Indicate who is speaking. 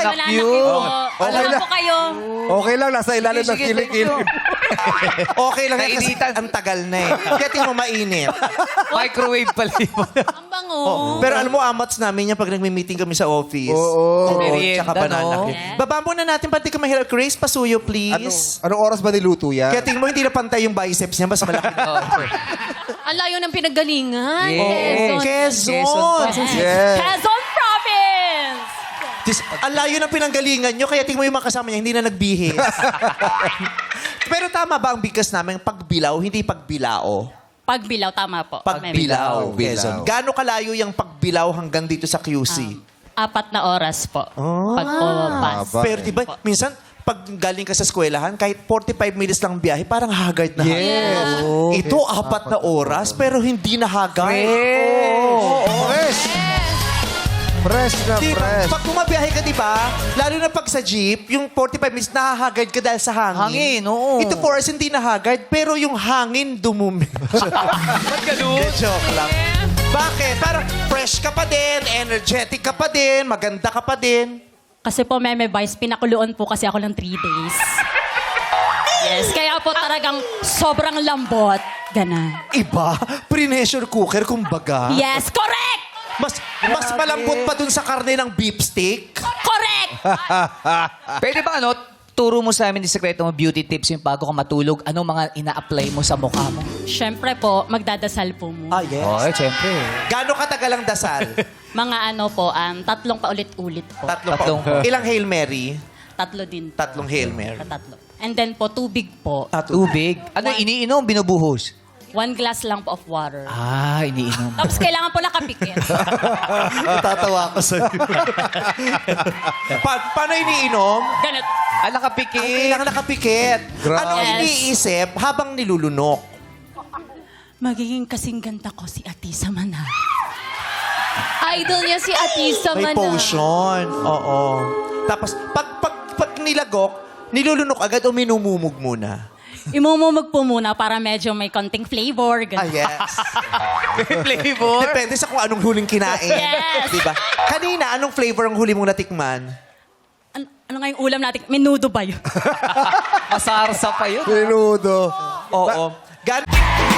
Speaker 1: na
Speaker 2: na
Speaker 1: cute.
Speaker 2: Wala
Speaker 3: Okay
Speaker 2: na
Speaker 3: lang.
Speaker 2: po kayo.
Speaker 3: Okay lang, nasa ilalim ng
Speaker 1: Sige, thank
Speaker 3: kilikili.
Speaker 1: you.
Speaker 4: Okay lang yan kasi
Speaker 1: Nainitan.
Speaker 4: ang tagal na eh. Kaya tingin mo mainit.
Speaker 1: Microwave pala yun.
Speaker 2: Ang bango.
Speaker 4: Pero alam mo, amats namin yan pag nagmi-meeting kami sa office.
Speaker 3: Oo.
Speaker 1: Merienda,
Speaker 4: Tsaka banana
Speaker 1: no?
Speaker 4: cake. Baba muna natin, pati ka mahirap. Grace, pasuyo, please.
Speaker 3: Anong oras ba niluto yan?
Speaker 4: Kaya tingin mo, hindi na pantay yung biceps niya, mas malaki.
Speaker 2: Ang layo ng pinanggalingan.
Speaker 1: Yes.
Speaker 4: Quezon.
Speaker 3: Yes.
Speaker 2: Quezon Province!
Speaker 4: Ang layo ng pinanggalingan nyo, kaya tingin mo yung mga kasama niya, hindi na nagbihis. Pero tama ba ang bigkas namin, pagbilaw, hindi pagbilao?
Speaker 2: Pagbilaw, tama po.
Speaker 4: Pagbilaw,
Speaker 3: Pagbilaw.
Speaker 4: Quezon. Gaano kalayo yung pagbilaw hanggang dito sa QC?
Speaker 2: 4 na oras po. Pag bus.
Speaker 3: Haba.
Speaker 4: Pero diba, minsan, pag galing ka sa eskwelahan, kahit 45 minutes lang biyahe, parang haggard na
Speaker 3: Yes.
Speaker 4: haggard. Ito, 4 na oras, pero hindi na haggard.
Speaker 3: Fresh. Fresh na
Speaker 4: Diba?
Speaker 3: fresh.
Speaker 4: Pag bumabiyahe ka, di ba? Lalo na pag sa jeep, yung 45 minutes, nahahagard ka dahil sa hangin.
Speaker 1: Hangin, oo.
Speaker 4: Ito 4 hours, hindi nahagard, pero yung hangin dumumi.
Speaker 1: Ba't ganun?
Speaker 4: Joke lang. Bakit? Parang fresh ka pa din, energetic ka pa din, maganda ka pa din.
Speaker 2: Kasi po, Meme Vice, pinakuluan po kasi ako ng 3 days. Yes, kaya po talagang sobrang lambot. Ganon.
Speaker 4: Iba, pre-pressure cooker, kumbaga.
Speaker 2: Yes, correct!
Speaker 4: Mas malambot pa dun sa karne ng beef steak.
Speaker 2: Correct!
Speaker 1: Pwede ba turo mo sa amin yung sekreto mo, beauty tips yung bago ka matulog? Anong mga ina-apply mo sa mukha mo?
Speaker 2: Siyempre po, magdadasal po mo.
Speaker 4: Ah, yes.
Speaker 1: Siyempre.
Speaker 4: Gaano katagal ang dasal?
Speaker 2: Mga ano po, 3 paulit-ulit po.
Speaker 4: Tatlong. Ilang Hail Mary?
Speaker 2: 3 din po.
Speaker 4: 3 Hail Mary.
Speaker 2: Tatlo. And then po, tubig po.
Speaker 1: Tubig. Ano iniinom? Binubuhos?
Speaker 2: 1 glass lang po of water.
Speaker 1: Iniinom.
Speaker 2: Tapos kailangan po nakapikit.
Speaker 4: Tatawa ko sa'yo. Paano iniinom?
Speaker 2: Ganit.
Speaker 1: Nakapikit.
Speaker 4: Kailangan nakapikit.
Speaker 3: Grabe.
Speaker 4: Ano
Speaker 2: Yes.
Speaker 4: iniisip habang nilulunok?
Speaker 2: Magiging kasing ganda ko si Atisa Mana.
Speaker 5: Idol niya si Atisa
Speaker 4: May
Speaker 5: Mana.
Speaker 4: potion. Oo. Tapos, pag nilagok, nilulunok agad o minumumog muna?
Speaker 2: Imumumog po muna para medyo may konting flavor.
Speaker 4: Ah,
Speaker 2: Ganun.
Speaker 4: yes.
Speaker 1: Flavor.
Speaker 4: Depende sa kung anong huling kinain.
Speaker 2: Yes.
Speaker 4: Diba? Kanina, anong flavor ang huli mong natikman?
Speaker 2: Ano nga yung ulam natin? Menudo ba yun?
Speaker 1: Masarsa pa yun.
Speaker 3: Menudo.
Speaker 4: Oo.